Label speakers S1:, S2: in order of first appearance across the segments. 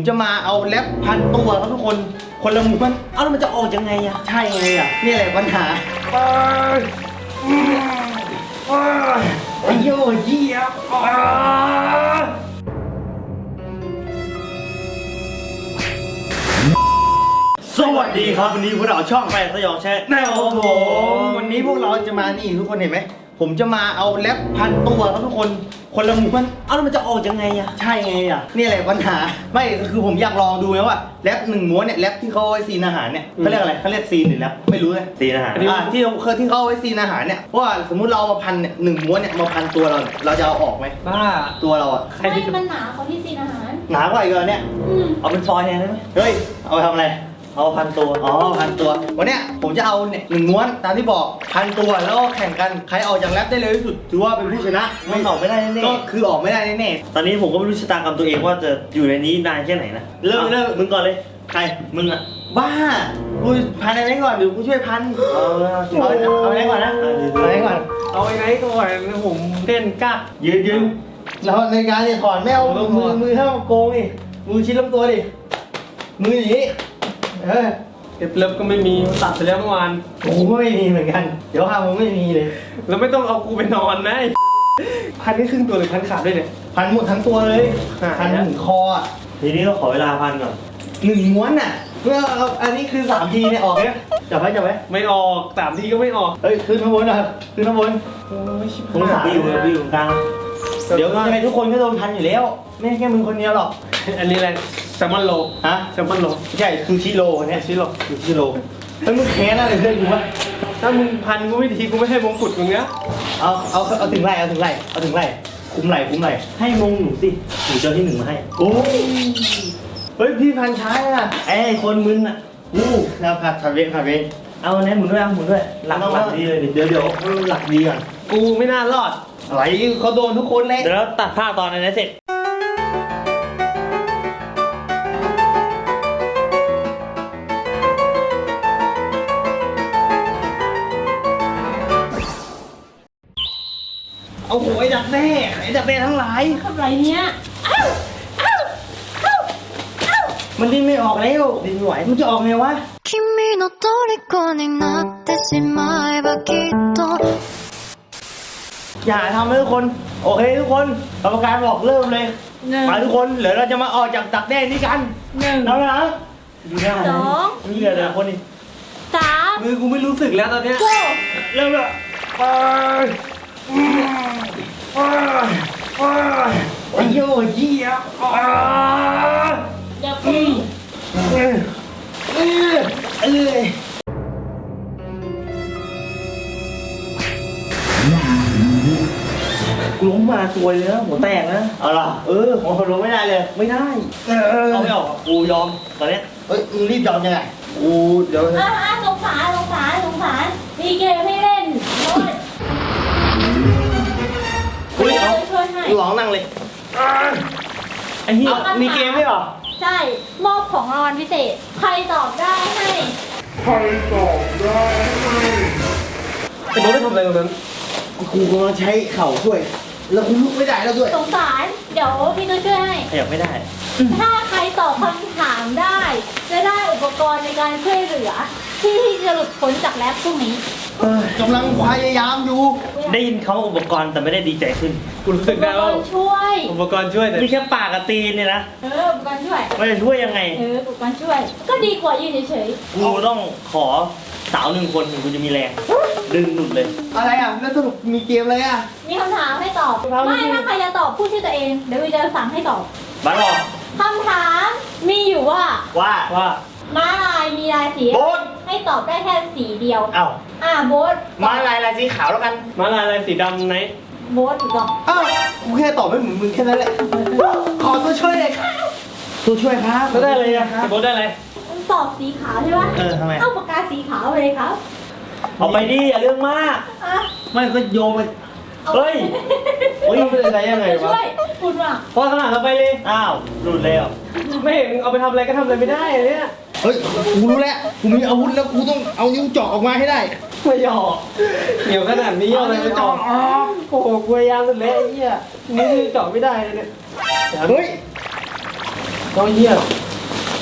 S1: จะมาเอาแรปพันตัวครับทุกคนคนละม้วน
S2: เอาแล้วมันจะออกยังไงอะ
S1: ใช่ไงอ่ะนี่แหละปัญหาไอ้โย่เยี่ยสวัสดีครับวันนี้พวกเราช่องแปดสยองแชทแน่ครับผมวันนี้พวกเราจะมานี่ทุกคนเห็นไหมผมจะมาเอาแรปพันตัวครับทุกคนคนละม้วน
S2: เอาแล้วมันจะออกยังไงอะ
S1: ใช่ไงอ่ะนี่แหละปัญหาไม่คือผมอยากลองดูไงว่าแรปหนึ่งม้วนเนี่ยแรปที่เขาเอาไว้ซีนอาหารเนี่ยเขาเรียกอะไรเขาเรียกซีนหรือแรปไม่รู้เลย
S2: ตีอาหาร
S1: ที่เขาเอาไว้ซีนอาหารเนี่ยว่าสมมุติเราเอามาพันเนี่ยหนึ่งม้วนเนี่ยมาพันตัวเราเนี่ยเราจะเอาออกไหม
S2: บ้า
S1: ตัวเราอ่ะ
S2: ใคร
S3: ไม่
S2: ที่
S3: มันหนาเขาที่ซีนอาหาร
S1: หนากว่าอีกเหรอเนี่ย
S2: เอาเป็นฟอยล์แทนได้ไหม
S1: เฮ้ยเอาไปทำอะไร
S2: เอาพันตัว
S1: อ๋อพันตัววันเนี้ยผมจะเอาเนี่ยหนึ่งม้วนตามที่บอกพันตัวแล้วก็แข่งกันใครออกจากแรปได้เร็วที่สุดถือว่าเป็นผู้ชนะ
S2: มันออกไม่ได้แน่
S1: ก็คือออกไม่ได้แน่
S2: ๆตอนนี้ผมก็ไม่รู้ชะตากรรมตัวเองว่าจะอยู่ในนี้นานแค่ไหนนะ
S1: เริ่ม
S2: มึงก่อนเลยใครมึงอะ
S1: บ้ากูพันอะไรก่อนเดี๋ยวกูช่วยพัน
S2: เอา
S1: เอาอะไรก่อนนะเอาอะไรก่อน
S4: เอาไอ้ไหนก่อนผมเต้นกัก
S1: ยืนแล้วในการเนี่ยถอนไม่เอามือห้ามโกงดิมือชิดลำตัวดิมืออย่างนี้
S4: เล็บก็ไม่มีตัดไปแล้วเมื่อวาน
S1: ผมก็ไม่มีเหมือนกันเดี๋ยวห้ามผมไม่มีเลย
S4: แล้วไม่ต้องเอากูไปนอนนะพันนี่ครึ่งตัวหรือพันขาดด้วยเนี่ย
S1: พันหมดทั้งตัวเลย
S4: หาย
S1: พันถึงคออ่ะ
S2: ทีนี้ก็ขอเวลาพันก่อน
S1: หนึ่งม้วนอ่ะเมื่อเอาอันนี้คือ3 ทีเนี่ยออกเนี่ยจับไว้
S4: ไม่ออก3 ทีก็ไม่ออก
S1: เฮ้ยขึ้นข้างบนนะขึ้นข้างบน
S4: โอ้ยชิบ
S2: ผม
S4: หา
S2: ไปอยู่กลาง
S1: เดี๋ยวยังไงทุกคนก็โดนพันอยู่แล้วไม่ใช่แค่มึงคนเดียวหรอก
S4: อันนี้อะไรแซลมอนโล
S1: ฮะ
S4: แซลมอนโล
S1: ไม่ใช่ซูชิโร่เนี่ย
S4: ชิโร่
S1: ซูชิโร่แล้วมึงแค้นอะไรเพื่อนกูวะ
S4: ถ้ามึงพันกูไม่ทีกูไม่ให้มงกุฎมึงเนี้ย
S1: เอาถึงไหลคุมไหล
S2: ให้มงหนูสิหนูเจอที่หนึ่งมาให้
S1: โอ้ยเฮ้ยพี่พันช้าอ่ะ
S2: ไอ้คนมึนอะ
S1: แล้วผัดเวร
S2: เอาแน่หมุนด้วยเอาหมุนด้วยหลักดีเลยดิ
S1: เดี๋ยวหลักดีก่อน
S4: กูไม่น่ารอด
S1: อะไรเขาโดนทุกคนเลย
S2: เดี๋ยวเราตัดภาพตอนนั้นเสร็จ
S1: เอาหัวไอ้ดักแด้ทั้งหลาย
S3: ทำไรเนี้ยอ้าว
S1: มันดิ้นไม่ออกแล้วดิ้นไม่ไหวมันจะออกไงวะ
S5: 君の虜になってしまえばきっと
S1: อย่าทำเลยทุกคนโอเคทุกคนกรรมการบอกเริ่มเลย
S3: หนึ่ง
S1: มาทุกคนเดี๋ยวเราจะมาออกจากดักแด้นี้กัน
S3: หนึ่ง
S1: เอาละ
S2: ดูได้
S3: สอง
S1: มีเหลือแต่คนนี้
S3: สาม
S4: มือกูไม่รู้สึกแล้วตอนเนี้ย
S3: โก้
S1: เริ่มละไอ้โย่เยี่ย
S3: อย่าพึ่ง
S2: กูล้มมาซวยเลยนะหัวแตกนะ
S1: เอาล่ะผมทนไม่ได้เลย
S2: ไม่ได้
S1: เอา
S2: เอาไม่ออกอะกูยอมตอนเนี้ย
S1: เฮ้ยมึงรีบยอมยังไงกูเดี๋ยว
S3: สงสารมีเกมให้เล่นโอ้ยช่วยให้
S1: ร้องนั่งเลย
S2: ไอ้เหี้ย
S1: มีเกมด้วยเหรอ
S3: ใช่มอบของรางวัลพิเศษ ใครตอบได้ให้
S4: ไอ้โบ๊ทไปทำอะไรตรงนั้น
S1: กูกำลังใช้เข่าช่วย แล้วกูลุกไม่ได้แล้วด้วย
S3: สงสาร เดี๋ยวพี่จะช่วยให้
S2: ขยับไม่ได้
S3: ถ้าใครตอบคำถามได้ จะได้อุปกรณ์ในการช่วยเหลือ ที่จะหลุดพ้นจากแรปพวกนี้
S1: กำลังพยายามอยู่
S2: ได้ยินเขาอุปกรณ์แต่ไม่ได้ดีใจขึ้น
S4: กูรู้
S3: อุ
S4: สึก
S3: ป
S4: ได้
S3: ก
S4: ว่าร
S3: ณ์ช่วย
S4: อุปกรณ์ช่วยแต่
S2: นี่แค่ปากกับตีนเนี่ยนะ
S3: อุปกรณ์ช่วย
S2: ไม่จะช่วยยังไง
S3: อุปกรณ์ช่วย ก็ดีกว่ายืนเฉย
S2: กูต้องขอสาว1 คนถึงกูจะมีแรง ดึงหนุดเลย
S1: อะไรอ่ะ แล้วสรุปมีเกมอะไรอ่ะ
S3: ๆมีคำถามให้ตอบ ไม่ถ้าใครจะตอบพูดชื่อตัวเอง เดี๋ยววีจะสั่งให้ตอบ
S2: บ้าหรอ
S3: คำถามมีอยู่ว่า
S1: ว่า
S4: ว่า
S3: ม้าลายมีลายสี
S1: โบ๊ท
S3: ให้ตอบได้แค่สีเดียว
S1: เอ้า
S3: โบ๊ท
S1: มาลายสีขาวแล้วกัน
S4: มาลายอะไรสีดำไหน
S3: โบ๊ทถูกต้อง
S1: เอ้ากูแค่ตอบไม่เหมือนมึงแค่นั้นแหละ ขอตัวช่วยเลยครับตัวช่วยครับ
S4: แล้วได้อะไรอะไอ้โบ๊ทได้อะไร
S3: ตอบสีขาวใช่ปะ
S1: ทำไม
S3: เอาปากกาสีขาวไปเลยครับ
S2: เอาไปดิอย่าเรื่องมาก
S3: อ่ะ
S1: ไม่ก็โยนไป
S3: อา
S2: เฮ้ย
S4: โอ้ยมันเป็นอะไรยังไงวะ
S3: ช่วยคุณว่ะ
S4: พอขนาดเราไปเลย
S2: อ้าวหลุดแล้ว
S4: ไม่เห็นเอาไปทำอะไรก็ทำอะไรไม่ได้เลยเนี่ย
S1: เฮ้ย กูรู้แล้ว กูมีอาวุธแล้วกูต้องเอานิ้วเจาะออกมาให้ได้
S4: ไม่หยอกเหนียวขนาดนี้เอาอะไรไปเจาะโอ้โหกูพยายามสุดแล้วไอ้เหี้ยนี่เจาะไม่ได้เลยเนี่ย
S1: เฮ้ย
S4: ต้องเหี้ย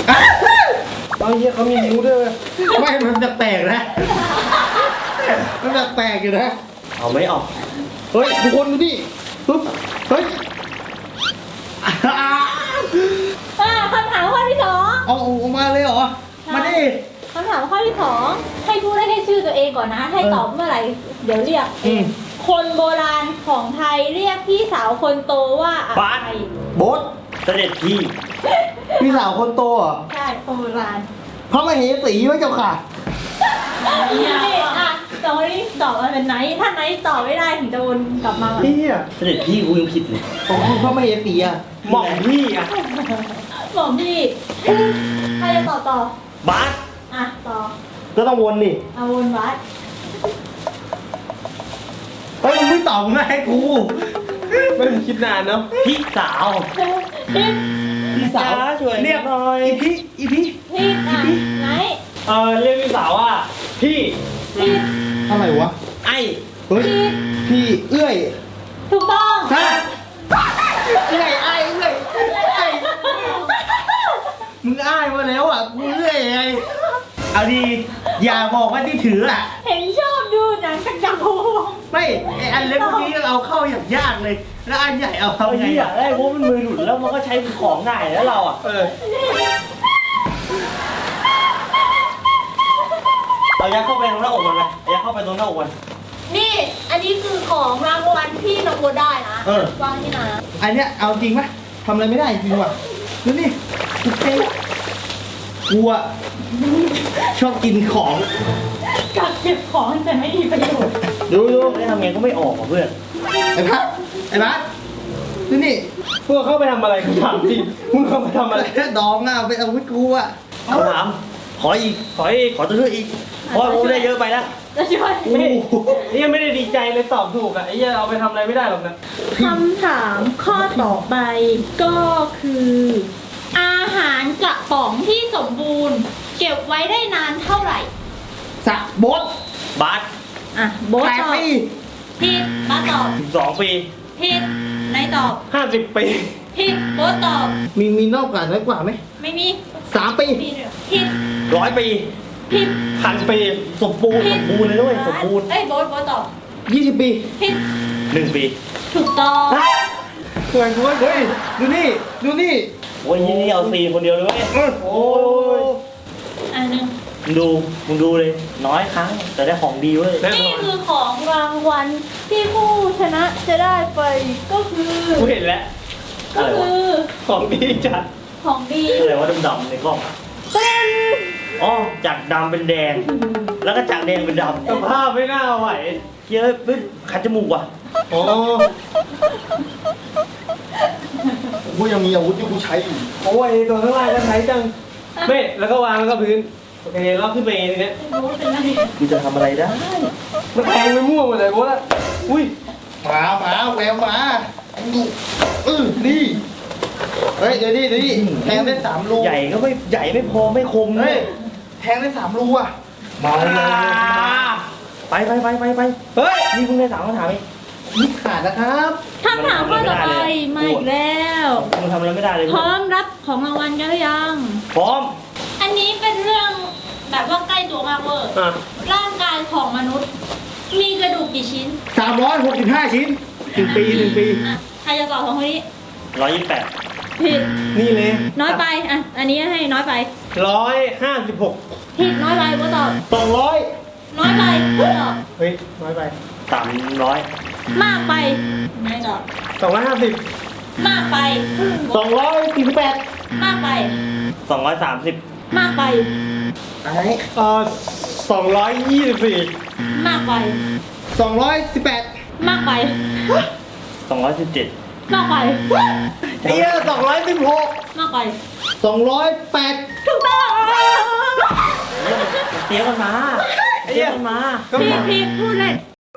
S4: เอาเหี้ยเขามีนิ้วด้วยเว้ย
S1: ไม่มันจะแปลกนะมันจะแปลกอยู่นะ
S2: เอาไม่ออก
S1: เฮ้ยทุกคนดูดิปึ๊บเฮ้ย
S3: คำถามข้อที่สอง
S1: เอาออกมาเลยเหรอมาดิ
S3: คำถามข้อที่สองให้พูดได้แค่ชื่อตัวเองก่อนนะ ให้ตอบเมื่อไหร่เดี๋ยวเรียกเองคนโบราณของไทยเรียกพี่สาวคนโตว่าอะไร
S1: โบ๊ท
S2: เสด็จพี่
S1: พี่สาวคนโตเหรอ
S3: ใช่คนโบราณ
S1: พระมเหสีไว้เจ้าค่ะ
S3: นี่อ่ะตอนนี้ตอบมาเป็นไหนถ้าไหนตอบไม่ได้ถึงจะวนกลับมาใหม่
S4: เหี้ย
S2: เสด็จพี่กูยังผิดเลย
S1: ของคุณพระมเหสีอ่ะ
S4: หม่อมพี่อ่ะ
S3: บอกพี่ใครจะตอบต่อบ
S2: าส
S3: อ่ะต่อ
S1: ก็ต้องวนดิ
S3: เอาวนวัด
S1: เฮ้ยมึงไม่ตอบมึงให้กู
S4: ไม่ต้องคิดนานเนาะ
S2: พี่สาว
S1: พี่สาว
S2: จ้าช่วย
S1: เรียก
S2: หน่อย
S1: อีพี่อีพี่
S3: พี่อ่ะไหน
S4: เรียกพี่สาวว่าพี่
S3: พี่
S1: อะไรวะ
S2: ไอ้
S1: เฮ้ยพี่เอื้อย
S3: ถูกต้อง
S1: ฮะเอื้อยไอ้เอื้อยไอ้มึงอ้ายมาแล้วอ่ะกูเอื้อยไงเอาดีอย่าบอกว่าที่ถืออ่ะ
S3: เห็นชอบดูหนังกันจังโง
S1: ไม่ไออันเล็กเมื่อกี้เอาเข้าอย่างยากเลย แล้วอันใหญ่เอาเข้า
S2: เอา
S1: ไง
S2: เหี้ยได้เพราะมันมือหลุดแล้วมันก็ใช้เป็นของง่ายแล้วเราอ่ะ เอายัดเข้าไปตรงหน้าอกมันไปเอายัดเข้าไปตรงหน้าอกมัน
S3: นี่ อันนี้คือของรางวัลที่น้องโบได้นะวางที่ไหน
S1: อันเนี้ยเอาจริงไหมทำอะไรไม่ได้จริงว่ะดูนี่กูเจ๊กูอ่ะชอบกินของ
S3: กักเก็บของแต่ไม่มีประโยชน์
S1: ดู
S2: ไม่ทำไงก็ไม่ออกอ่ะเพื่อน
S1: ไอ้พัดไอ้พัดดูนี่
S4: พวกเข้าไปทำอะไรกูถามจริงมึงเข้าไปทำอะไร
S1: ดองอ่ะเป็นอาวุธกูอ่ะ
S2: เอาถามขออีก
S4: ขออีก
S2: ขอตัวช่วยอีกเพราะว่ากูได้เยอะไปแล้ว
S3: จะช่วย
S4: นี่ยังไม่ได้ดีใจเลยตอบถูกอ่ะไอ้เหี้ยเอาไปทำอะไรไม่ได้หรอกนะ
S3: คำถามข้อต่อไปก็คือ อาหารกระป๋องที่สมบูรณ์ เก็บไว้ได้นานเท่าไหร่
S1: สะบด
S2: บาส
S3: อ่ะโบ๊ท
S1: แปด
S3: ตอบ
S1: ปี
S3: ผิดบ้าตอบ
S2: 12 ปี
S3: ผิดนายตอบ
S4: 50 ปี
S3: ผิดโบ๊ทตอบ
S1: มีนอกกว่าน้อยกว่าไหม
S3: ไม่มี
S1: 3 ปี
S3: ผิดผิด
S2: 100 ปี
S3: ผิด
S4: 1,000 ปี
S2: สมบูรณ์สมบูรณ์เลยด้วยสมบูรณ์
S3: เอ้ยโบ๊ทตอบ
S1: 20 ปี
S3: ผิด
S2: 1 ปี
S3: ถูกต้อง
S1: เฮ้ยเฮ้ยดูนี่ดูนี่
S2: โอ้ยนี่เอาซีคนเดียวเลยเว้ย
S1: โอ้ย
S3: อันหนึง
S2: มึงดูเลย น้อยครั้ง แต่ได้ของดีเว้ย
S4: แน่น
S3: นี่
S4: อน
S3: คือของรางวัลที่ผู้ชนะจะได้ไปก็คือ
S4: กูเห็นแล้ว
S3: ก็คือ
S4: ของดีจัด
S3: ของดี
S2: อะไรว่าดำๆในกล้องอะ
S3: เป็น
S2: อ๋อจากดำเป็นแดง แล้วก็จากแดงเป็นดำ
S4: สภาพไม่น่าไหว
S2: เยอะปึ๊บขัดจมูกว่ะ
S4: โอ้
S1: กูยังมีอาวุธที่กูใช้อยู่
S4: โอ้ยตัวข้างล่างก็ใช้จังเม่แล้วก็วางแล้วก็พื้นโอเครอบขึ้นไปเองทีเนี้ย
S3: โบ๊ทเป็นอะไร
S2: กูจะทำอะไรได้
S4: มันแทงไปมั่วหมดเลยโบ๊ทอะอุ้ย
S1: หมาแววหมานี่เฮ้ยเดี๋ยวนี่แทงได้3 รู
S2: ใหญ่ก็ไม่ใหญ่ไม่พอไม่คม
S1: เฮ้ยแทงได้3 รูอ่ะมาเลย
S2: ไป
S4: เฮ้ย
S2: นี่เพิ่งได้3คำถามเอง
S1: นี่ขาดนะครับ
S3: คำถามข้อต่อไปมาอีกแล้ว
S2: มึงทำอะไรไม่ได้เลย
S3: พร้อมรับของรางวัลกันหรือยัง
S2: พร้อม
S3: อันนี้เป็นเรื่องแบบว่าใกล้ตัวมากเวอร์
S4: อ่ะ
S3: ร่างกายของมนุษย์ มีกระดูกกี่ชิ้น
S1: 365 ชิ้น1 ปี 1 ปี
S3: อ่ะใครจะตอบของคนนี้
S2: 128
S3: ผิด
S4: นี่เลย
S3: น้อยไปอ่ะอันนี้ให้น้อยไป
S4: 156
S3: ผิดน้อยไปก็ตอบ
S1: 200
S3: น้อยไปก็ตอบ
S4: เฮ้ยน้อยไป
S2: 300
S3: มากไปไม่ตอบ
S4: 250
S3: มากไป
S1: 248
S3: มากไป
S2: 230
S3: มากไป
S1: อะไร
S4: 224
S3: มากไป
S1: 218
S3: มากไป
S2: 217
S3: มากไป
S1: เตี้ย216
S3: มากไป
S1: 208
S3: ถูกต้อง
S2: เตี้ยกันมาเตี้ยกันมา
S3: ผิดพูดเลย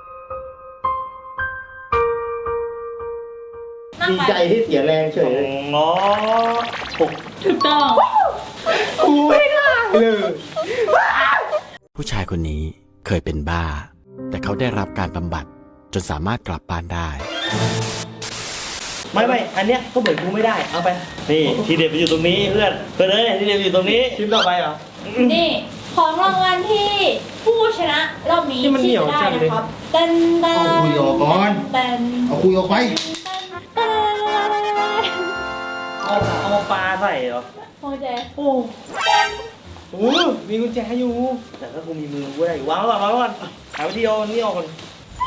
S3: มาก
S1: ดี
S3: ไป
S1: ใจที่เสียแรงเฉยเลย
S2: 206
S3: ถูกต้อง
S4: กูไม่ได้เลย
S6: ผู้ชายคนนี้เคยเป็นบ้า แต่เขาได้รับการบำบัดจนสามารถกลับบ้านได้
S2: ไม่อันเนี้ยก็เหมือนกูไม่ได้เอาไปนี่ทีเด็ดมันอยู่ตรงนี้เพื่อนเอ้ยทีเด็ดมันอยู่ตรงนี้
S4: ชิ้นต่อไปเหรอ
S3: นี่ของรางวัลที่ผู้ชนะรอบนี้
S4: ที่มันเหนียว
S3: ได้
S4: จังเลย
S3: นะครับเต้นเต้น
S1: เอาคุยออกก่อน
S3: เต้น
S1: เอาคุยออกไป
S3: เต้น
S2: เอามาปลาใส่เหรอ
S3: โอเค
S2: โอ้
S4: โอ้มีกุญแจอยู่
S2: แต่ถ้ากูมีมือกูได้วางไว้ก่อนหาวิธีเอานี่ออกก่อน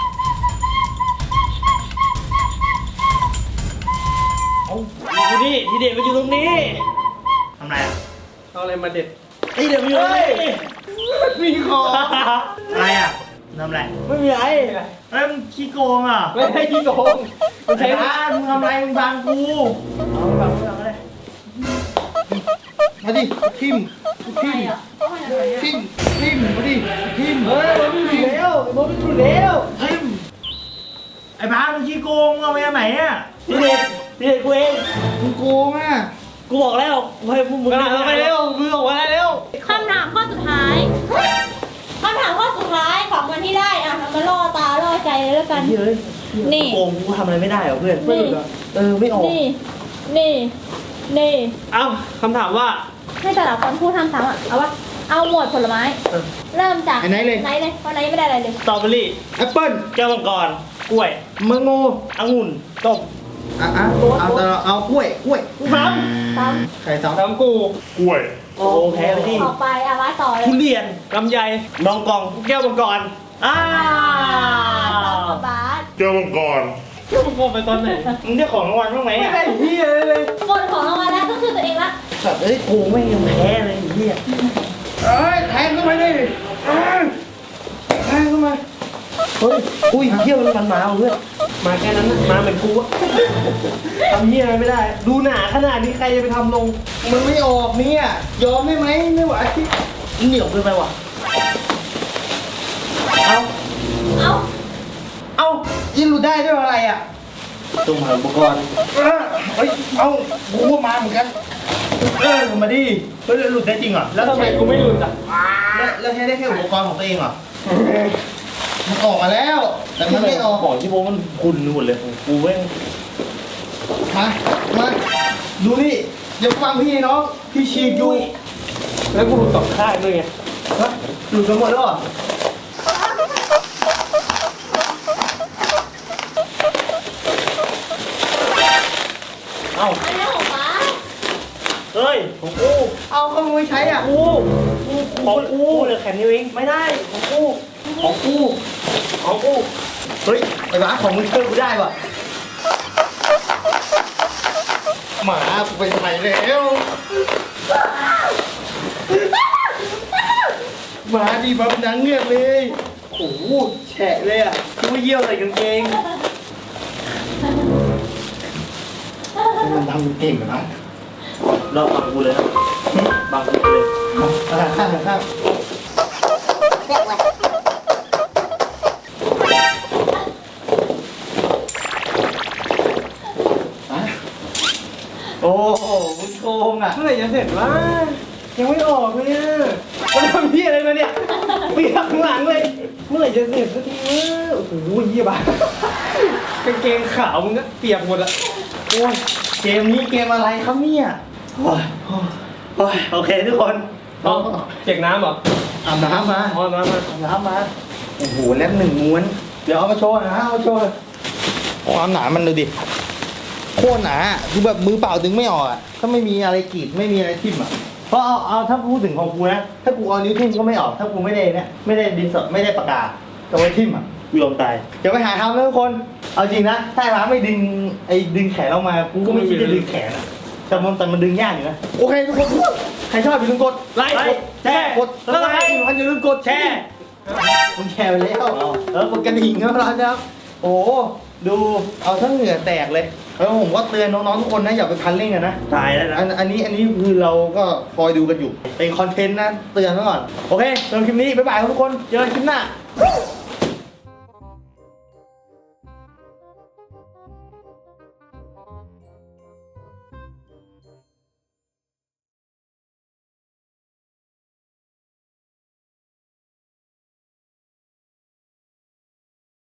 S2: เอาดูดิทีเด็ดมันอยู่ตรงนี้
S1: ทำไรอ่ะ
S4: เอาอะไรมาเด็ด
S2: ทีเด็ดมันอยู่ตรงนี้
S4: มีของ
S1: อะไรอ่ะทำไร
S2: ไม่มีอะไร
S1: เอ้ยมึงขี้โกงอ่ะ
S4: ไม่ให้ที่โกงมัน
S1: ไอ้
S4: ใช้
S1: บ้ามึงทำไรมึงบังกู
S2: เอาไปเอาไปเลย
S1: มาดิทิม
S3: ใช่อ่ะเอาให้หน่อยอะ
S1: ทิมมาดิทิม
S4: เฮ้ยมันไม่ถูกแล้วมันไม่ถูกแล้ว
S1: ทิมไอ้บ้ามึงขี้โกงเอาไปไหนอ่ะ
S2: ทีเด็ดกูเอง
S1: มึงโกงอ่ะ
S2: กูบอกแล้วให้พวกมึง
S4: เอาไปเร็วมือออกมาได้เร็ว
S3: คำถามข้อสุดท้ายคำถามข้อสุดท้ายของวันที่ได้อ่ะมาล่อตาล่อใจเลยแล้วกัน
S2: เฮ้ย
S3: นี่
S2: โกงกูทำอะไรไม่ได้เหรอเพื่อน
S3: นี่
S2: ไม่ออก
S3: นี่
S4: เอาคำถามว่า
S3: ให้แต่ละคนพูดทำซ้ำอ่ะ เอาวะ เอาหมวดผลไม้ เริ่มจาก
S1: ไอ้ไหนเลย
S3: ไหนเลยเพราะไหนไม่ได้อะไรเลย
S2: สตรอเบอรี่
S1: แอปเปิ้ล
S2: แก้วมังกรกล้วย
S1: มังโง
S2: องุ่นต้ม
S1: เอาแต่เอากล้วย
S3: ซ้
S1: ไข่สอง
S4: ทำกู
S2: โอ้แพ้ไปที่
S3: ออกไปเอาไว้ต่อเลย
S2: ทุเรียน
S4: ลำไย
S2: นองกอง
S4: แก้วมังกร
S2: อ้า
S3: ซ้อมกับบาส
S7: แก้วมังกร
S4: แก้วมังกรไปตอนไหน
S2: มึงได้ของรางวัลบ้างไหม
S4: ไม่
S2: อ่ะ
S4: ได้ที่เลย
S3: หมดของรางวัลแล้วก็คือตัวเองละ
S2: แบบเอ้ยกูไม่ยังแพ้เลยไอ้เหี้ย
S1: เอ้ยแทงเข้ามาดิแทงเข้ามา
S2: เฮ้ยอุ้ยเหี้ยมันมาเพื่อน
S4: มาแค่นั้นนะมาเหมือนกูอะ
S2: ทำเหี้ยอะไรไม่ได้ ดูหนาขนาดนี้ใครจะไปทำลง
S1: มันไม่ออกเนี่ยยอมได้ไหมไม่ไหว
S2: เหนียวเกินไปว่ะเอา
S3: เอา
S1: เอ้ายิงหลุดได้ด้วยอะไรอ่ะ
S2: จงหาอุปกรณ์
S1: เฮ้ยเอ้ากูก็มาเหมือนกันมาดิเฮ้ยหลุดได้จริงเหรอ
S4: แล้วทำไมกูไม่หลุดอ่ะ
S1: แล้วใช้ได้แค่อุปกรณ์ของตัวเองเหรอมันออกมาแล้ว แต่มันไม่ออก
S2: ของที่โบมันคุณหมดเลยของกูแม่ง
S1: มาดูนี่อย่าฟังพี่น้องพี่ฉีดอยู่
S4: แล้วกูหลุดสองข้างด้วยไง
S1: ฮะหลุดกันหมดแล้วเหรอ
S2: เอ้า
S3: อันนี้ของบาส
S2: เฮ้ยของกู
S1: เอาเข้ามาไม่ใช้อ่ะ
S2: ของกูเหลือแค่นี้เองไม่ได้ของกู
S1: ของกู
S2: ของกู
S1: เฮ้ยไอ้บ้าของมึงเชื่อกูได้ป่ะหมากูไปไหนแล้วหมาดีแบบหนังเงือกเลยโอ้โหแฉะเลยอ่ะ
S2: กูเยี่ยวใส่กางเกง
S1: มันทำเก่งนะ
S2: เราบังกูเลยนะบังกูเลย
S1: ข้างโอ้โหมึงโกงอ่ะ
S4: เมื่อไหร่จะเสร็จวะยังไม่ออกเลยอ่ะมันทำที่อะไรมาเนี่ยเปียกข้างหลังเลย เมื่อไหร่จะเสร็จสักทีวะโอ้โหเยี่ยบ้ากางเกงขาวมึงก็เปียกหมดอะ
S1: โอ้ยเกมนี้เกมอะไรครับเนี่ยโอ้ย
S2: โอเคทุกคน
S4: เอาเปียกน้ำเหรอ
S1: อาบน้ำมา
S4: เอาน้ำมา
S1: อาบน้ำมาโอ้โหแล็บหนึ่งม้วนเดี๋ยวเอามาโชว์นะเอามาโชว์ความหนามันดูดิโคตรหนาคือแบบมือเปล่าดึงไม่ออกอ่ะถ้าไม่มีอะไรกรีดไม่มีอะไรทิ่มอ่ะเพราะเอาถ้าพูดถึงของกูนะถ้ากูเอานิ้วทิ่มก็ไม่ออกถ้ากูไม่ได้เนี่ยไม่ได้ดินสอไม่ได้ปากกาจะไว้ทิ่มอ่ะ
S2: กูยอมตาย
S1: อย่าไปหาทำนะทุกคน เอาจริงนะ ถ้าร้านไม่ดึงดึงแขนออกมา กูก็ไม่คิดจะดึงแขนอะแต่มันดึงยากอยู่นะ โอเคทุกคน ใครชอบอย่าลืมกดไลค์ กดแชร์ กดแล้วก็อย่าลืมกดแชร์มึงแชร์ไปแล้วกดกระดิ่งนะร้านนะครับ โอ้โหดูเอาทั้งเหงื่อแตกเลยแล้วผมก็เตือนน้องๆทุกคนนะอย่าไปคันเร่งกันนะ
S2: ตายแล้วนะ
S1: อันนี้คือเราก็คอยดูกันอยู่ เป็นคอนเทนต์นะ เตือนไว้ก่อน โอเคสำหรับคลิปนี้บ๊ายบายครับทุกคน เจอกันคลิปหน้า